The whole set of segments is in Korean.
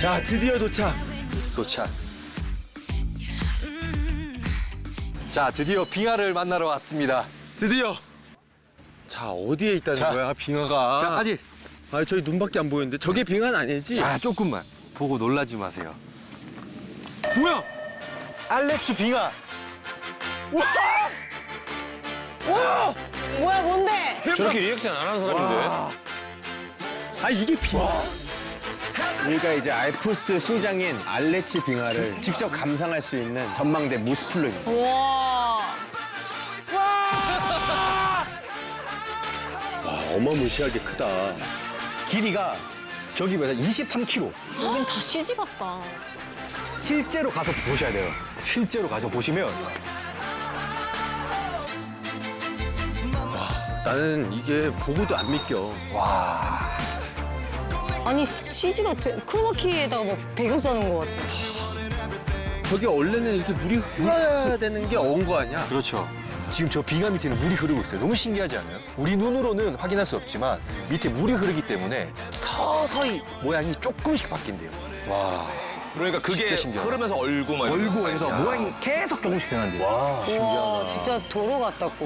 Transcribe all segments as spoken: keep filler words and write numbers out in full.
자, 드디어 도착. 도착. 자, 드디어 빙하를 만나러 왔습니다. 드디어. 자, 어디에 있다는 자, 거야, 빙하가? 자, 아직. 아, 저희 눈밖에 안 보이는데 저게 빙하는 아니지? 자, 조금만 보고 놀라지 마세요. 뭐야? 알렉스 빙하. 와! 뭐야 뭔데? 저렇게 리액션 안 하는 사람인데? 아, 이게 빙하? 여기가 이제 알프스 소장인 알레치 빙하를 직접 감상할 수 있는 전망대 무스플로입니다. 와. 와, 어마무시하게 크다. 길이가 저기 뭐야 이십삼 킬로미터. 여긴 다 씨지 같다. 실제로 가서 보셔야 돼요. 실제로 가서 보시면 나는 이게 보고도 안 믿겨. 아니 씨지 같아. 크로마키에다가 뭐 배경 써놓은 것 같아. 저게 원래는 이렇게 물이 흘러야 되는 게 어운 거 아니야? 그렇죠. 지금 저 빙하 밑에는 물이 흐르고 있어요. 너무 신기하지 않아요? 우리 눈으로는 확인할 수 없지만 밑에 물이 흐르기 때문에 서서히 모양이 조금씩 바뀐대요. 와. 그러니까 그게 진짜 신기하다. 흐르면서 얼고 막 얼고 해서 모양이 계속 조금씩 변한대요. 와. 와 진짜 도로 같다고.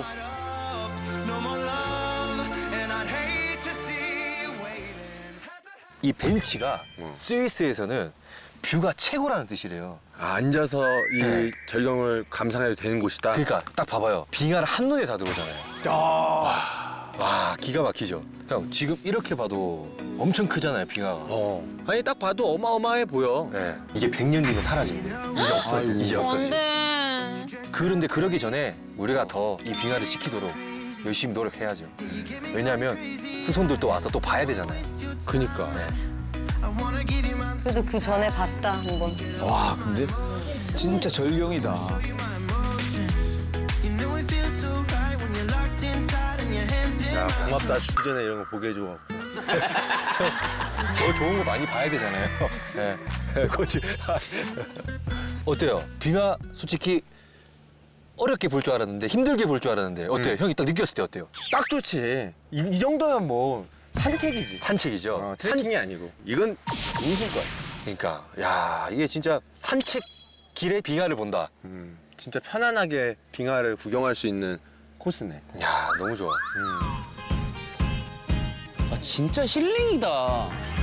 이 벤치가 스위스에서는 뷰가 최고라는 뜻이래요. 아, 앉아서 이 네. 절경을 감상해도 되는 곳이다. 그러니까 딱 봐봐요. 빙하를 한눈에 다 들어오잖아요. 와, 와, 기가 막히죠. 형, 지금 이렇게 봐도 엄청 크잖아요, 빙하가. 어. 아니, 딱 봐도 어마어마해 보여. 네. 이게 백 년 뒤면 사라진대요. 이제 없어져. 이제 없어지. 뭔데? 그런데 그러기 전에 우리가 더 이 빙하를 지키도록 열심히 노력해야죠. 왜냐하면 후손들도 와서 또 봐야 되잖아요. 그니까. 그래도 그 전에 봤다 한번. 와 근데 진짜 절경이다. 야, 고맙다. 죽기 전에 이런 거 보게 해줘. 더 좋은 거 많이 봐야 되잖아요. 네. 그렇지. 어때요? 빙하 솔직히 어렵게 볼 줄 알았는데 힘들게 볼 줄 알았는데 어때요? 형이 딱 느꼈을 때 어때요? 딱 좋지. 이, 이 정도면 뭐 산책이지. 산책이죠. 어, 트레킹이 아니고. 이건 인생것 같아. 그러니까 야 이게 진짜 산책 길에 빙하를 본다. 음, 진짜 편안하게 빙하를 구경할 수 있는 코스네. 야 너무 좋아. 아, 진짜 힐링이다.